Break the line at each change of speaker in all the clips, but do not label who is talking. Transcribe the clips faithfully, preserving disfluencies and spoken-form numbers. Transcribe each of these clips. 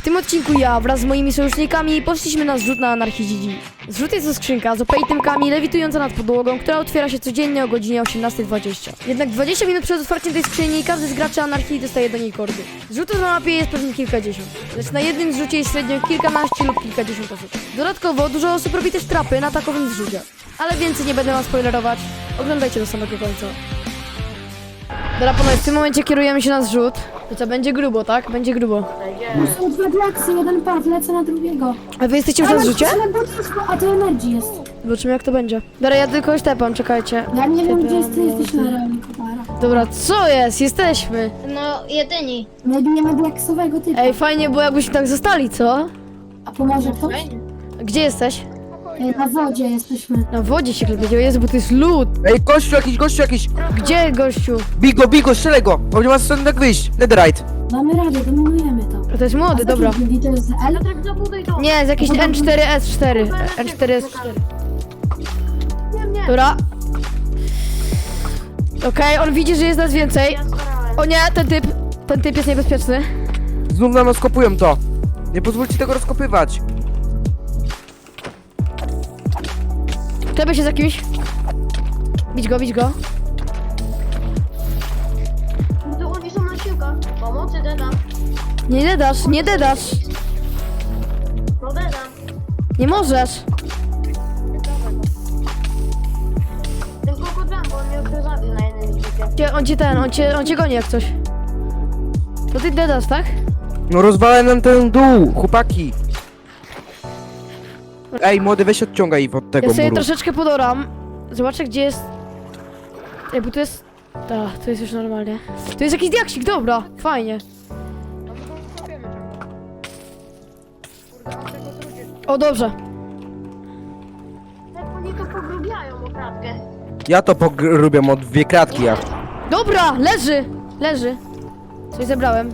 tym odcinku ja wraz z moimi sojusznikami poszliśmy na zrzut na Anarchy G G. Zrzut jest to skrzynka z O P itemkami lewitująca nad podłogą, która otwiera się codziennie o godzinie osiemnastej dwadzieścia. Jednak dwadzieścia minut przed otwarciem tej skrzyni każdy z graczy Anarchii dostaje do niej kordy. Zrzutów na mapie jest pewnie kilkadziesiąt, lecz na jednym zrzucie jest średnio kilkanaście lub kilkadziesiąt osób. Dodatkowo dużo osób robi też trapy na takowym zrzucie. Ale więcej nie będę wam spoilerować, oglądajcie do samego końca. Dobra panowie, w tym momencie kierujemy się na zrzut. To co, będzie grubo, tak? Będzie grubo.
Są dwa diaksy, jeden pad, lecę na drugiego.
A wy jesteście już na zrzucie?
Ale bo a to Energy jest.
Zobaczymy jak to będzie. Dobra, ja tylko tepam, czekajcie.
Ja nie wiem, gdzie jest, ty jesteś na realnie, kopara.
Dobra, co jest? Jesteśmy.
No, jedyni.
My bijemy diaksowego typa.
Ej, fajnie było jakbyśmy tak zostali, co?
A pomoże ktoś?
Gdzie jesteś?
Ej, na wodzie jesteśmy.
Na wodzie się klepiecie, Jezu, bo to jest lód.
Ej, gościu jakiś, gościu jakiś!
Gdzie, gościu?
Bigo, bigo, strzelaj go! Bo nie ma stąd tak wyjść. Netherite.
Damy radę, dominujemy to.
A to jest młody, dobra.
I to jest L?
Nie, jest jakiś N cztery S cztery. N cztery S cztery. Dobra. Okej, on widzi, że jest nas więcej. O nie, ten typ, ten typ jest niebezpieczny.
Znów nam rozkopują to. Nie pozwólcie tego rozkopywać.
Klepię się z jakimś. Bić go, bić go.
To oni są na siłkach. Pomocy dedam.
Nie dedasz, nie dedasz.
No dedam.
Nie możesz.
Ten kokot dam, bo on mnie już zabił na jednym zrzucie.
Cię- On cię ten, on cię, on cię goni jak coś. To ty dedasz, tak?
No rozwalaj nam ten dół, chłopaki. Ej, młody, weź odciągaj ich od tego
Ja sobie
muru.
troszeczkę podoram. Zobaczę gdzie jest. Ej, bo tu jest. Tak, tu jest już normalnie. Tu jest jakiś diaksik, dobra, fajnie. O, dobrze.
Jak oni to pogrubiają okradkę.
Ja to pogrubiam od dwie kratki, ja.
Dobra, leży! Leży. Coś zebrałem.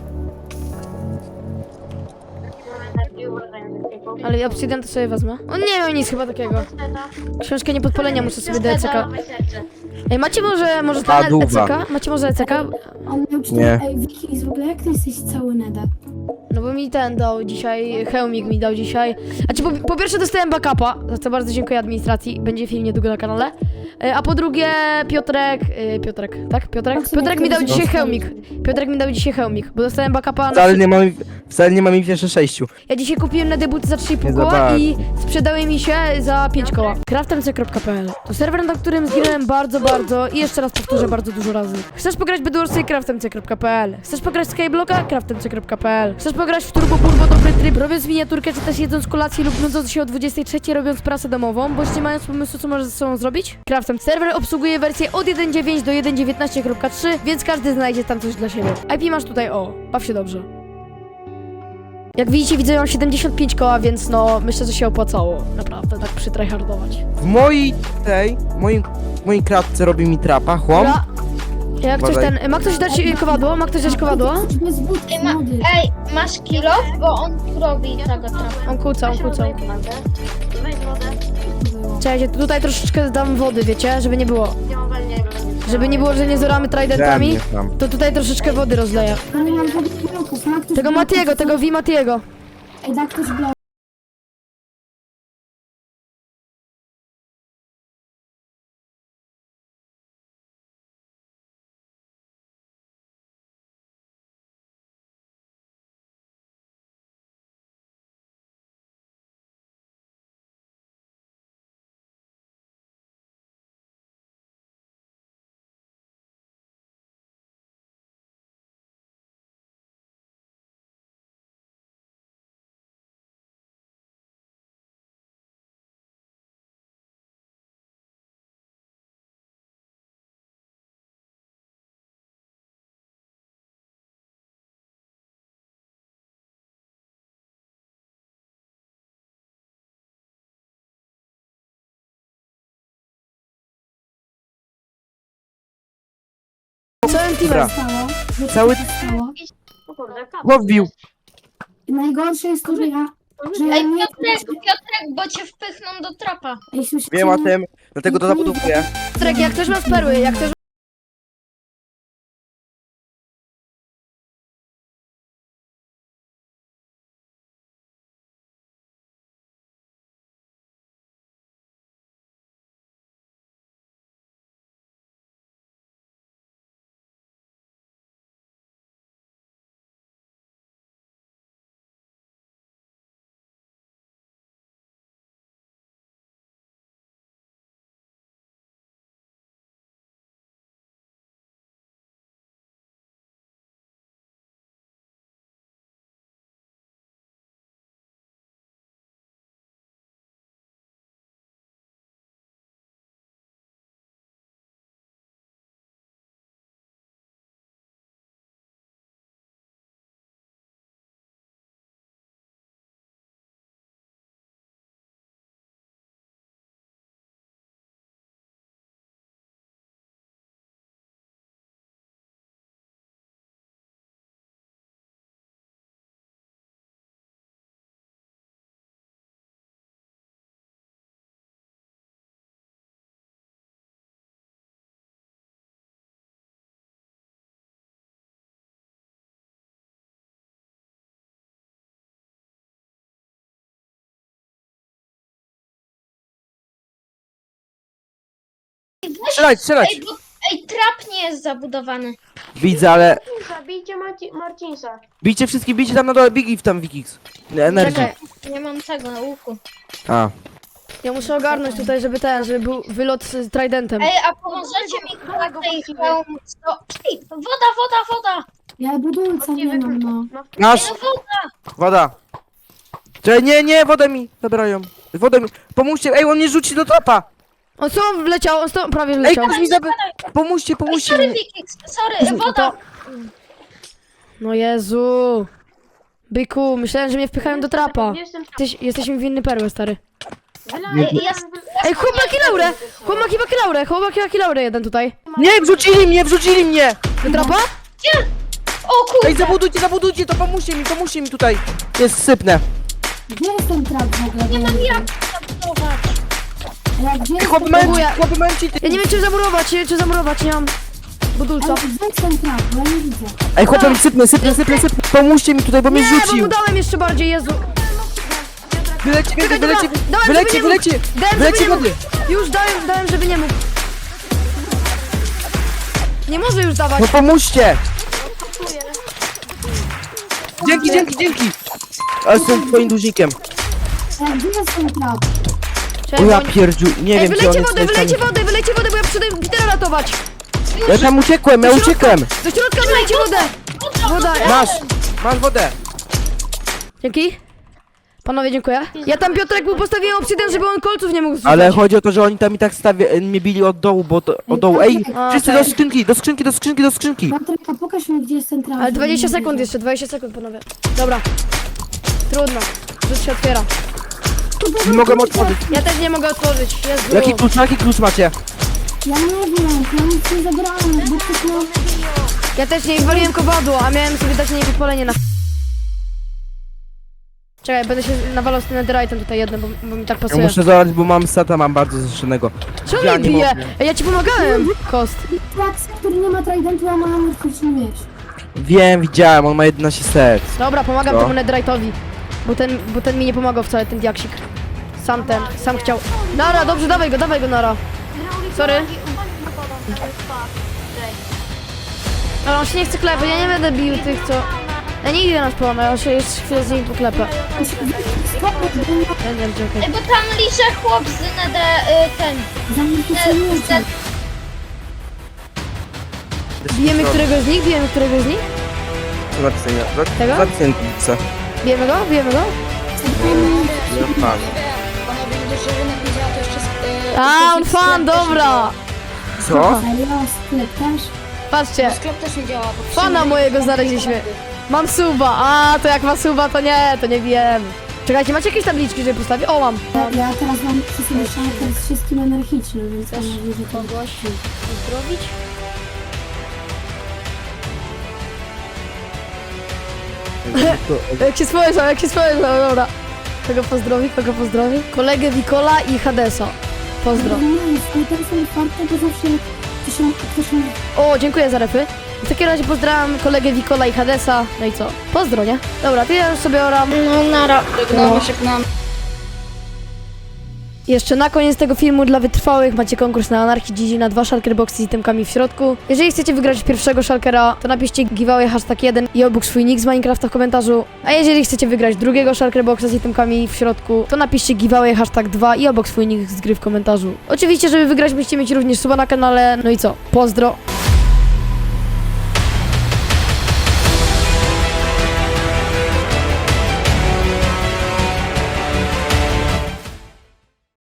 Ale obsydian to sobie wezmę. On nie miał nic chyba takiego. Książkę niepodpalenia muszę sobie do E C K. Ej, macie może, może ten E
Paduwa.
C K? Macie może E C K?
On miał cztery.
Nie.
Ej, Wikis, w ogóle jak ty jesteś cały nether?
No bo mi ten dał dzisiaj, Hełmik mi dał dzisiaj. Znaczy po, po pierwsze dostałem backupa, za co bardzo dziękuję administracji, będzie film niedługo na kanale. E, A po drugie Piotrek, e, Piotrek, tak? Piotrek? Piotrek mi dał dzisiaj Hełmik. Piotrek mi dał dzisiaj Hełmik, bo dostałem backupa na...
Wcale nie mam, wcale nie mam ich jeszcze sześciu.
Ja dzisiaj kupiłem na debuty za trzy i pół
Nie
koła
zobacz.
i sprzedały mi się za pięć koła. craftemc kropka p l to serwer, na którym zginąłem bardzo, bardzo i jeszcze raz powtórzę bardzo dużo razy. Chcesz pograć w Bedwarsy? craftemc kropka p l. Chcesz pograć w Skyblocka? craftemc kropka p l. Chcesz pograć w Turbo Purbo dobry tryb, robiąc miniaturkę czy też jedząc kolację lub nudząc się o dwudziestej trzeciej robiąc pracę domową, bądź nie mając pomysłu co możesz ze sobą zrobić? Craftemc serwer obsługuje wersję od jeden dziewięć do jeden dziewiętnaście kropka trzy, więc każdy znajdzie tam coś dla siebie. I P masz tutaj, o, baw się dobrze. Jak widzicie, widzę, mam siedemdziesiąt pięć koła, więc no, myślę, że się opłacało, naprawdę, tak przytryhardować.
W mojej tej, moim, mojej kratce robi mi trapa, chłop.
Dobra, jak ktoś
Badaj.
ten, ma ktoś dać y, kowadło? Ma ktoś dać kowadło?
Jesteś bez but,
Ej, ma,
młody.
ej, masz kilo? Bo on robi tego trapa.
On kłóca, on kłóca.
Weź wodę.
Czekajcie, tutaj troszeczkę dam wody, wiecie, żeby nie było.
Nie ma walniego.
Żeby nie było, że nie zoramy
Dałem
tridentami,
nie tam.
to tutaj troszeczkę wody rozleję.
Ja nie mam żadnych bloków. Ma ktoś
Tego
bloków?
Matiego, tego Wi Matiego.
Ej, da ktoś blok.
Całym
Dobra.
teamem.
Stało. Wiecie,
Cały-
co się stało?
O kurde, kap.
Łowił.
Najgorsze jest to, że ja... Że ja
Ej,
nie...
Piotrek, Piotrek, bo cię wpychną do trapa.
Ej, słyszycie
Wiem o
mnie?
tym, dlatego to zabuduję.
Trek, jak ktoś ma z perły, jak ktoś
strzelać, strzelać!
Ej, bo, ej, trap nie jest zabudowany.
Widzę, ale...
Marcinsa, bijcie Marci Marcinsa.
Bijcie wszystkich, bijcie tam na dole, Big tam Wikix. Energii.
Czekaj,
Nie mam tego na łuku.
A.
ja muszę ogarnąć tutaj, żeby ten, żeby był wylot z Tridentem.
Ej, a pomożecie mi na tej hełm... co- Ej, woda, woda, woda!
Ja budulca nie mam, no.
No,
Masz,
No woda!
woda. Czekaj, nie, nie, wodę mi zabierają. Wodę mi, pomóżcie, ej, on mnie rzuci do trapa.
On co wleciał, on sto, prawie
Ej,
wleciał.
ktoś mi zabi... Pomóżcie,
Ej,
pomóżcie
sorry,
mi.
Wikix, sorry, woda!
No Jezu. Byku, myślałem, że mnie wpychają do trapa.
Jestem tam.
Jesteś, jesteśmy winny perły, stary.
Wylałem-
Ej, ja-
Ej, chłopaki laurę! Chłopaki waki laurę, chłopaki laurę jeden tutaj.
Nie, wrzucili mnie, wrzucili mnie.
Do trapa?
O kurde!
Ej, zabudujcie, zabudujcie, to pomóżcie mi, pomóżcie mi tutaj. Jest sypnę.
Gdzie jest ten trap w ogóle?
Nie mam
Bo-
jak zabudować.
Ej, gdzie jest
Chłopy
ten
mają,
Próbuję.
chłopy mają cheaty.
Ja nie wiem, czy zamurować, nie wiem, czy zamurować, nie mam budulca.
Ej, gdzie jest ten trap? Bo ja nie widzę.
Ej, chłopy mi sypnę, sypnę, sypnę, sypnę. Pomóżcie mi tutaj, bo mnie
Nie, bo mu
rzucił.
dałem jeszcze bardziej, Jezu.
Wylecie,
Czekaj, dobra,
wylecie,
dałem,
wylecie,
żeby nie mógł.
wylecie.
Dałem,
Wylecie
żeby nie
wody.
mógł. Już dałem, dałem, żeby nie mógł. Nie może już dawać.
No pomóżcie. Dzięki, dzięki, dzięki. Ale jestem twoim dłużnikiem.
Ej, gdzie jest ten trap?
O
Czekaj,
ja
bo-
pierdziu, nie
Ej,
wiem czy on
wylejcie
jest
wodę, wylejcie
tam-
wodę, wylejcie wodę, bo ja przyjdę Petera ratować.
Ja tam uciekłem, ja
Do środka,
uciekłem.
Do środka wylejcie wodę. Woda,
Masz, masz wodę.
Dzięki. Panowie, dziękuję. Ja tam Piotrek mu postawiłem obsydian, żeby on kolców nie mógł zrzucać.
Ale chodzi o to, że oni tam i tak stawie, mnie bili od dołu, bo to, od dołu. Ej,
A,
wszyscy
okej.
do skrzynki, do skrzynki, do skrzynki, do skrzynki.
Patryk, a pokaż mi, gdzie jest ten trap.
Ale dwadzieścia sekund jeszcze, dwadzieścia sekund, panowie. Dobra. Trudno. Rzut się otwiera.
Nie mogę otworzyć.
Ja też nie mogę otworzyć. Jezu.
Jaki klucz, jaki klucz macie?
Ja nie wiem, ja nic nie zabrałem, bo ktoś miał...
Ja też nie waliłem kowadło, a miałem sobie dać na nie podpalenie na... Czekaj, będę się nawalał z tym netherite'em tutaj jednym, bo, bo mi tak
Ja
pasuje.
muszę zabrać, bo mam seta, mam bardzo zeszynego.
Czemu
Ja
mnie
nie
bije?
mogę.
Ej, ja ci pomagałem, Kost.
Trax, który nie ma tridentu, a ma energetyczny miecz.
Wiem, widziałem, on ma jedenaście set.
Dobra, pomagam
Co?
temu netherite'owi. Bo ten, bo ten mi nie pomagał wcale, ten diaksik. Sam ten, sam chciał. Nara, dobrze, dawaj go, dawaj go, Nara. Sorry. Ale on się nie chce klepać, ja nie będę bił tych, co... Ja nie idę na spawn, ja się jeszcze chwilę z nim poklepę. Ja nie wiem, gdzie, okej.
Ej, bo tam liże chłop z nede... Y, ten...
Energetyczny
Ne,
miecz.
z,
Bijemy któregoś z nich? Bijemy któregoś z nich? Tego?
Zapiętnice.
Bijemy go? Bijemy go? A, on fan, dobra!
Co?
Serio, sklep też?
Patrzcie,
Sklep też nie działa, bo
fana mojego znaleźliśmy. Mam suba, a to jak ma suba, to nie, to nie bijemy. Czekajcie, macie jakieś tabliczki, żeby postawić? O, mam.
Ja, ja teraz mam przy sobie szankę z wszystkim anarchicznym, więc mam nadzieję, że to...
Pozdrowić? Jak się spojrzał, jak się spojrzał, dobra. Kogo pozdrowi, kogo pozdrowi? Kolegę Wikola i Hadesa. Pozdro.
Nie, jest ten sam farta, bo zawsze jak ktoś ma... Ktoś ma...
O, dziękuję za repy. W takim razie pozdrawiam kolegę Wikola i Hadesa. No i co? Pozdro, nie? Dobra, to ja już sobie oram.
no, nara.
żegnamy, żegnamy.
Jeszcze na koniec tego filmu dla wytrwałych macie konkurs na Anarchii Gigi na dwa shulker boxy z itemkami w środku. Jeżeli chcecie wygrać pierwszego shulkera, to napiszcie giveaway hashtag jeden i obok swój nick z Minecrafta w komentarzu. A jeżeli chcecie wygrać drugiego shulker boxa z itemkami w środku, to napiszcie giveaway hashtag dwa i obok swój nick z gry w komentarzu. Oczywiście, żeby wygrać musicie mieć również suba na kanale. No i co? Pozdro!